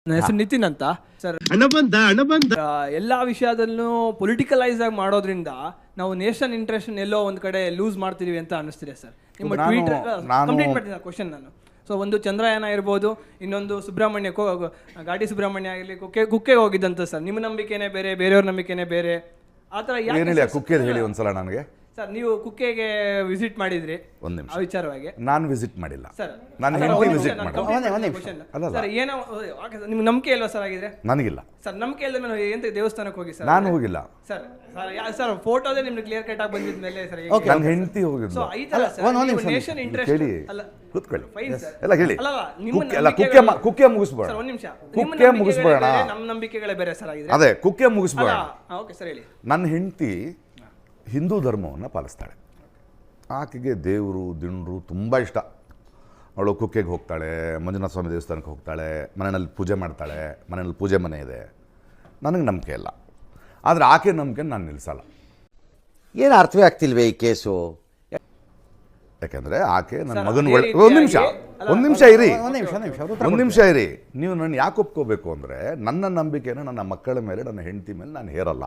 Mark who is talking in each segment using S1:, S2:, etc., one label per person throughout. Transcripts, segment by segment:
S1: ನನ್ನ ಹೆಸರು ನಿತಿನ್ ಅಂತ ಸರ್. ಎಲ್ಲಾ ವಿಷಯದಲ್ಲೂ ಪೊಲಿಟಿಕಲೈಸ್ ಆಗಿ ಮಾಡೋದ್ರಿಂದ ನಾವು ನೇಷನ್ ಇಂಟ್ರೆಸ್ಟ್ ಎಲ್ಲೋ ಒಂದ್ ಕಡೆ ಲೂಸ್ ಮಾಡ್ತಿದೀವಿ ಅಂತ ಅನಿಸ್ತಿದೆ ಸರ್. ನಿಮ್ಮ ಟ್ವೀಟ್ ಕಂಪ್ಲೀಟ್ ಮಾಡ್ತೀನಿ ಕ್ವಶನ್ ನಾನು. ಸೊ ಒಂದು ಚಂದ್ರಯಾನ ಇರ್ಬೋದು, ಇನ್ನೊಂದು ಸುಬ್ರಹ್ಮಣ್ಯ ಘಾಟಿ ಸುಬ್ರಹ್ಮಣ್ಯ ಆಗಿರಲಿ, ಕುಕ್ಕೆಗೆ ಹೋಗಿದ್ದಂತ ಸರ್. ನಿಮ್ಮ ನಂಬಿಕೆನೇ ಬೇರೆ, ಬೇರೆಯವ್ರ ನಂಬಿಕೆನೇ ಬೇರೆ, ಆ ಥರ
S2: ಕುಕ್ಕೆ ಹೇಳಿ ಒಂದ್ಸಲ ನನಗೆ.
S1: ಸರ್ ನೀವು ಕುಕ್ಕೆಗೆ ವಿಸಿಟ್ ಮಾಡಿದ್ರಿ,
S2: ಒಂದು ನಿಮಿಷ
S1: ಆ ವಿಚಾರವಾಗಿ.
S2: ನಾನು ವಿಸಿಟ್ ಮಾಡಿಲ್ಲ
S1: ಸರ್.
S2: ನಾನು ಹೆಂಡತಿ ವಿಸಿಟ್ ಮಾಡಿಲ್ಲ.
S1: ಸರ್ ಏನೋ ನಿಮ್ಗೆ ನಂಬಿಕೆ ಇಲ್ವಾ ಸರ್ ಆಗಿದ್ರೆ?
S2: ನನಗಿಲ್ಲ
S1: ಸರ್. ನಂಬಿಕೆ ಇಲ್ಲದೆ ನಾನು ಎಂತ ದೇವಸ್ಥಾನಕ್ಕೆ ಹೋಗಿ ಸರ್?
S2: ನಾನು ಹೋಗಿಲ್ಲ
S1: ಸರ್. ಸರ್ ಫೋಟೋದೇ ನಿಮ್ಗೆ ಕ್ಲಿಯರ್ ಕಟ್ ಆಗಿ ಬಂದಿದ ಮೇಲೆ ಸರ್
S2: ನನ್ನ ಹೆಂಡತಿ ಹೋಗಿಲ್ಲ.
S1: ಸೊ ಈ ತರ ಸರ್ ನೇಷನ್ ಇಂಟ್ರೆಸ್ಟ್
S2: ಕೇಳಿ,
S1: ಅಲ್ಲ
S2: ಕೂತ್ಕೊಳ್ಳಿ
S1: ಫೈನ್ ಸರ್.
S2: ಎಲ್ಲ ಹೇಳಿ.
S1: ಅಲ್ಲ
S2: ಎಲ್ಲ ಕುಕ್ಕೆ ಮುಗಿಸ್ಬೇಡ.
S1: ಸರ್ ಒಂದು ನಿಮಿಷ.
S2: ಕುಕ್ಕೆ ಮುಗಿಸ್ಬೇಡ.
S1: ನಮ್ಮ ನಂಬಿಕೆಗಳೇ ಬೇರೆ ಸರ್ ಆಗಿದ್ರೆ.
S2: ಅದೇ ಕುಕ್ಕೆ ಮುಗಿಸ್ಬೇಡ.
S1: ಓಕೆ ಸರ್ ಹೇಳಿ.
S2: ನನ್ನ ಹೆಂಡತಿ ಹಿಂದೂ ಧರ್ಮವನ್ನು ಪಾಲಿಸ್ತಾಳೆ. ಆಕೆಗೆ ದೇವರು ದಿಂಡ್ರು ತುಂಬ ಇಷ್ಟ. ಅವಳು ಕುಕ್ಕೆಗೆ ಹೋಗ್ತಾಳೆ, ಮಂಜುನಾಥ ಸ್ವಾಮಿ ದೇವಸ್ಥಾನಕ್ಕೆ ಹೋಗ್ತಾಳೆ, ಮನೆಯಲ್ಲಿ ಪೂಜೆ ಮಾಡ್ತಾಳೆ, ಮನೆಯಲ್ಲಿ ಪೂಜೆ ಮನೆ ಇದೆ. ನನಗೆ ನಂಬಿಕೆ ಇಲ್ಲ, ಆದರೆ ಆಕೆ ನಂಬಿಕೆ ನಾನು ನಿಲ್ಲಿಸಲ್ಲ.
S3: ಏನು ಅರ್ಥವೇ ಆಗ್ತಿಲ್ವೇ ಈ ಕೇಸು?
S2: ಯಾಕೆಂದರೆ ಆಕೆ ನನ್ನ ಮಗನ ಒಂದು ನಿಮಿಷ ಇರಿ. ನೀವು ನನ್ನ ಯಾಕೆ ಒಪ್ಕೋಬೇಕು ಅಂದರೆ, ನನ್ನ ನಂಬಿಕೆನ ನನ್ನ ಮಕ್ಕಳ ಮೇಲೆ, ನನ್ನ ಹೆಂಡತಿ ಮೇಲೆ ನಾನು ಹೇರಲ್ಲ.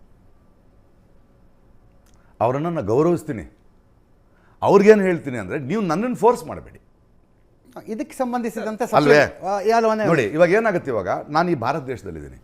S2: ಅವರನ್ನು ನಾನು ಗೌರವಿಸ್ತೀನಿ. ಅವ್ರಿಗೇನು ಹೇಳ್ತೀನಿ ಅಂದರೆ, ನೀವು ನನ್ನನ್ನು ಫೋರ್ಸ್ ಮಾಡಬೇಡಿ.
S3: ಇದಕ್ಕೆ ಸಂಬಂಧಿಸಿದಂತೆ
S2: ಅಲ್ವೇ ನೋಡಿ, ಇವಾಗ ಏನಾಗುತ್ತೆ, ಇವಾಗ ನಾನು ಈ ಭಾರತ ದೇಶದಲ್ಲಿದ್ದೀನಿ,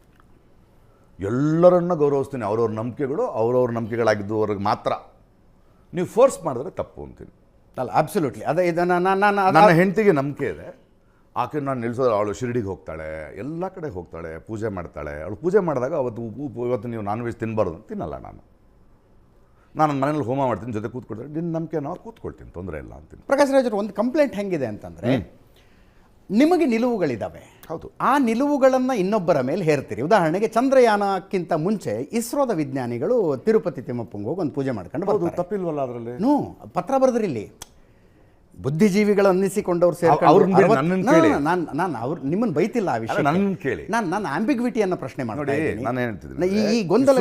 S2: ಎಲ್ಲರನ್ನ ಗೌರವಿಸ್ತೀನಿ. ಅವ್ರವ್ರ ನಂಬಿಕೆಗಳು ಅವ್ರವ್ರ ನಂಬಿಕೆಗಳಾಗಿದ್ದವ್ರಿಗೆ ಮಾತ್ರ. ನೀವು ಫೋರ್ಸ್ ಮಾಡಿದ್ರೆ ತಪ್ಪು ಅಂತೀನಿ.
S3: ಅಲ್ಲ, ಅಬ್ಸಲ್ಯೂಟ್ಲಿ. ಅದೇ ಇದನ್ನು
S2: ನನ್ನ ಹೆಂಡತಿಗೆ ನಂಬಿಕೆ ಇದೆ. ಆಕೆ ನಾನು ನಿಲ್ಲಿಸೋದು, ಅವಳು ಶಿರಡಿಗೆ ಹೋಗ್ತಾಳೆ, ಎಲ್ಲ ಕಡೆ ಹೋಗ್ತಾಳೆ, ಪೂಜೆ ಮಾಡ್ತಾಳೆ. ಅವಳು ಪೂಜೆ ಮಾಡಿದಾಗ ಇವತ್ತು ನೀವು ನಾನ್ ವೆಜ್ ತಿನ್ನಬಾರ್ದು ಅಂತ ತಿನ್ನಲ್ಲ. ನಾನು ನನ್ನ ಮನೇಲಿ ಹೋಮ ಮಾಡ್ತೀನಿ, ಜೊತೆ ಕೂತ್ಕೊಳ್ತೀನಿ. ನಿನ್ನ ನಂಬಿಕೆ ನಾವು ಕೂತ್ಕೊಳ್ತೀನಿ, ತೊಂದರೆ ಇಲ್ಲ ಅಂತೀನಿ.
S3: ಪ್ರಕಾಶ್ ರಾಜರು, ಒಂದು ಕಂಪ್ಲೇಂಟ್ ಹೆಂಗಿದೆ ಅಂತಂದರೆ, ನಿಮಗೆ ನಿಲುವುಗಳಿದ್ದಾವೆ.
S2: ಹೌದು.
S3: ಆ ನಿಲುವುಗಳನ್ನು ಇನ್ನೊಬ್ಬರ ಮೇಲೆ ಹೇರ್ತೀರಿ. ಉದಾಹರಣೆಗೆ ಚಂದ್ರಯಾನಕ್ಕಿಂತ ಮುಂಚೆ ಇಸ್ರೋದ ವಿಜ್ಞಾನಿಗಳು ತಿರುಪತಿ ತಿಮ್ಮಪ್ಪಂಗೆ ಹೋಗಿ ಒಂದು ಪೂಜೆ ಮಾಡ್ಕೊಂಡು ಬರ್ತಾರೆ.
S2: ತಪ್ಪಿಲ್ವಲ್ಲ ಅದರಲ್ಲಿ?
S3: ಪತ್ರ ಬರೆದ್ರಿ ಇಲ್ಲಿ. ಬುದ್ಧಿಜೀವಿಗಳು ಅನ್ನಿಸಿಕೊಂಡವ್ರು ಸೇರ್ಕೊಂಡು ನಾನು ಅವ್ರು ನಿಮ್ಮನ್ನು ಬೈತಿಲ್ಲ ಆ ವಿಷಯ.
S2: ನನ್ನ ಕೇಳಿ,
S3: ನಾನು ಆಂಬಿಗ್ವಿಟಿಯನ್ನು ಪ್ರಶ್ನೆ ಮಾಡ್ತಾ
S2: ಇದ್ದೀನಿ.
S3: ಈ ಗೊಂದಲ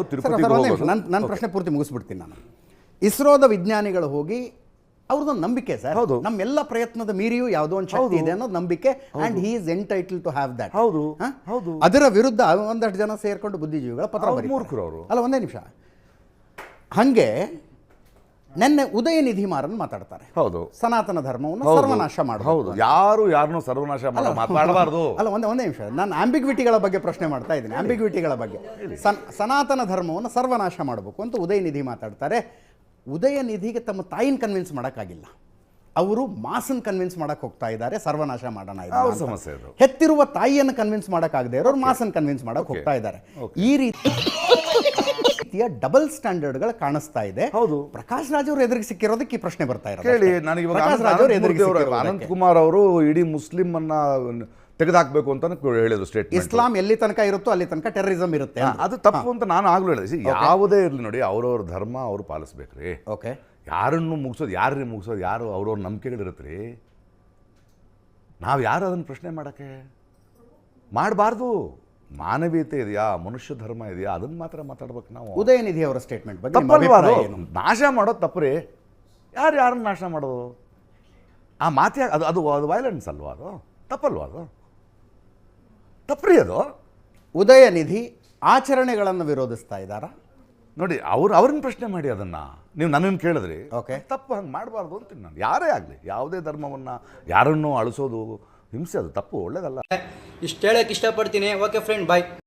S3: ನನ್ನ ಪ್ರಶ್ನೆ ಪೂರ್ತಿ ಮುಗಿಸ್ಬಿಡ್ತೀನಿ ನಾನು. ಇಸ್ರೋದ ವಿಜ್ಞಾನಿಗಳು ಹೋಗಿ ಅವ್ರದ್ದೊಂದು ನಂಬಿಕೆ ಸರ್.
S2: ಹೌದು.
S3: ನಮ್ಮೆಲ್ಲ ಪ್ರಯತ್ನದ ಮೀರಿಯೂ ಯಾವುದೋ ಒಂದು ಶಕ್ತಿ ಇದೆ ಅನ್ನೋದು ನಂಬಿಕೆ. And he is entitle to have that.
S2: ಹೌದು.
S3: ಅದರ ವಿರುದ್ಧ ಒಂದಷ್ಟು ಜನ ಸೇರ್ಕೊಂಡು ಬುದ್ಧಿಜೀವಿಗಳ ಪತ್ರ
S2: ಮೂರ್ಖರು ಅವರು.
S3: ಅಲ್ಲ, ಒಂದೇ ನಿಮಿಷ. ಹಾಗೆ ನೆನ್ನೆ ಉದಯನಿಧಿ ಮಾರನ್ ಮಾತಾಡ್ತಾರೆ.
S2: ಹೌದು.
S3: ಸನಾತನ ಧರ್ಮವನ್ನು ಸರ್ವನಾಶ ಮಾಡೋದು.
S2: ಹೌದು. ಯಾರನ್ನೂ ಸರ್ವನಾಶ ಮಾತಾಡಬಾರ್ದು.
S3: ಅಲ್ಲ, ಒಂದೇ ನಿಮಿಷ. ನಾನು ಆಂಬಿಗ್ವಿಟಿಗಳ ಬಗ್ಗೆ ಪ್ರಶ್ನೆ ಮಾಡ್ತಾ ಇದ್ದೀನಿ. ಆಂಬಿಗ್ವಿಟಿಗಳ ಬಗ್ಗೆ. ಸನಾತನ ಧರ್ಮವನ್ನು ಸರ್ವನಾಶ ಮಾಡಬೇಕು ಅಂತ ಉದಯನಿಧಿ ಮಾತಾಡ್ತಾರೆ. ಉದಯನಿಧಿಗೆ ತಮ್ಮ ತಾಯಿನ ಕನ್ವಿನ್ಸ್ ಮಾಡೋಕ್ಕಾಗಿಲ್ಲ. ಅವರು ಮಾಸನ್ ಕನ್ವಿನ್ಸ್ ಮಾಡಕ್ಕೆ ಹೋಗ್ತಾ ಇದ್ದಾರೆ, ಸರ್ವನಾಶ ಮಾಡೋಣ.
S2: ಸಮಸ್ಯೆ ಇದು.
S3: ಹೆತ್ತಿರುವ ತಾಯಿಯನ್ನು ಕನ್ವಿನ್ಸ್ ಮಾಡೋಕ್ಕಾಗದೆ ಇರೋರು ಮಾಸನ್ ಕನ್ವಿನ್ಸ್ ಮಾಡಕ್ಕೆ ಹೋಗ್ತಾ ಇದ್ದಾರೆ. ಈ ರೀತಿಯ ಡಬಲ್ ಸ್ಟ್ಯಾಂಡರ್ಡ್ಗಳು ಕಾಣಿಸ್ತಾ ಇದೆ.
S2: ಹೌದು.
S3: ಪ್ರಕಾಶ್ ರಾಜ್ ಅವರು ಎದುರಿಗೆ ಸಿಕ್ಕಿರೋದಕ್ಕೆ ಈ ಪ್ರಶ್ನೆ ಬರ್ತಾ ಇರೋದು.
S2: ಕೇಳಿ, ನನಗೆ ಅನಂತ್ ಕುಮಾರ್ ಅವರು ಇಡೀ ಮುಸ್ಲಿಂ ಅನ್ನ ತೆಗೆದಾಕ್ಬೇಕು ಅಂತ ಹೇಳಿದ್ರು ಸ್ಟೇಟ್ಮೆಂಟ್.
S3: ಇಸ್ಲಾಂ ಎಲ್ಲಿ ತನಕ ಇರುತ್ತೋ ಅಲ್ಲಿ ತನಕ ಟೆರರಿಸಂ ಇರುತ್ತೆ,
S2: ಅದು ತಪ್ಪು ಅಂತ ನಾನು ಆಗ್ಲೂ ಹೇಳಿದೆ. ಯಾವುದೇ ಇರಲಿ ನೋಡಿ, ಅವ್ರವ್ರ ಧರ್ಮ ಅವ್ರು ಪಾಲಿಸ್ಬೇಕ್ರಿ.
S3: ಓಕೆ.
S2: ಯಾರನ್ನು ಮುಗಿಸೋದು ಯಾರು ಅವ್ರವ್ರ ನಂಬಿಕೆಗಳಿರುತ್ತೆ ರೀ. ನಾವು ಯಾರು ಅದನ್ನು ಪ್ರಶ್ನೆ ಮಾಡೋಕ್ಕೆ ಮಾಡಬಾರ್ದು. ಮಾನವೀಯತೆ ಇದೆಯಾ, ಮನುಷ್ಯ ಧರ್ಮ ಇದೆಯಾ, ಅದನ್ನು ಮಾತ್ರ ಮಾತಾಡ್ಬೇಕು ನಾವು.
S3: ಉದಯನಿಧಿ ಅವರ ಸ್ಟೇಟ್ಮೆಂಟ್ ಬಗ್ಗೆ
S2: ತಪ್ಪಲ್ವಾ? ಅದು ನಾಶ ಮಾಡೋದು ತಪ್ಪು. ಯಾರನ್ನು ನಾಶ ಮಾಡೋದು? ಆ ಮಾತೆ ಅದು ವೈಲೆನ್ಸ್ ಅಲ್ವಾ? ಅದು ತಪ್ಪಲ್ವಾ? ಅದು ತಪ್ಪ್ರಿ. ಅದು
S3: ಉದಯನಿಧಿ ಆಚರಣೆಗಳನ್ನು ವಿರೋಧಿಸ್ತಾ ಇದ್ದಾರಾ?
S2: ನೋಡಿ, ಅವ್ರನ್ನ ಪ್ರಶ್ನೆ ಮಾಡಿ. ಅದನ್ನು ನೀವು ನನ್ನನ್ನು ಕೇಳಿದ್ರಿ.
S3: ಓಕೆ.
S2: ತಪ್ಪು ಹಂಗೆ ಮಾಡಬಾರ್ದು ಅಂತೀನಿ ನಾನು. ಯಾರೇ ಆಗಲಿ, ಯಾವುದೇ ಧರ್ಮವನ್ನು ಯಾರನ್ನೂ ಅಳಿಸೋದು ಹಿಂಸೆ, ಅದು ತಪ್ಪು, ಒಳ್ಳೇದಲ್ಲ.
S4: ಇಷ್ಟು ಹೇಳಕ್ಕೆ ಇಷ್ಟಪಡ್ತೀನಿ. ಓಕೆ ಫ್ರೆಂಡ್, ಬಾಯ್.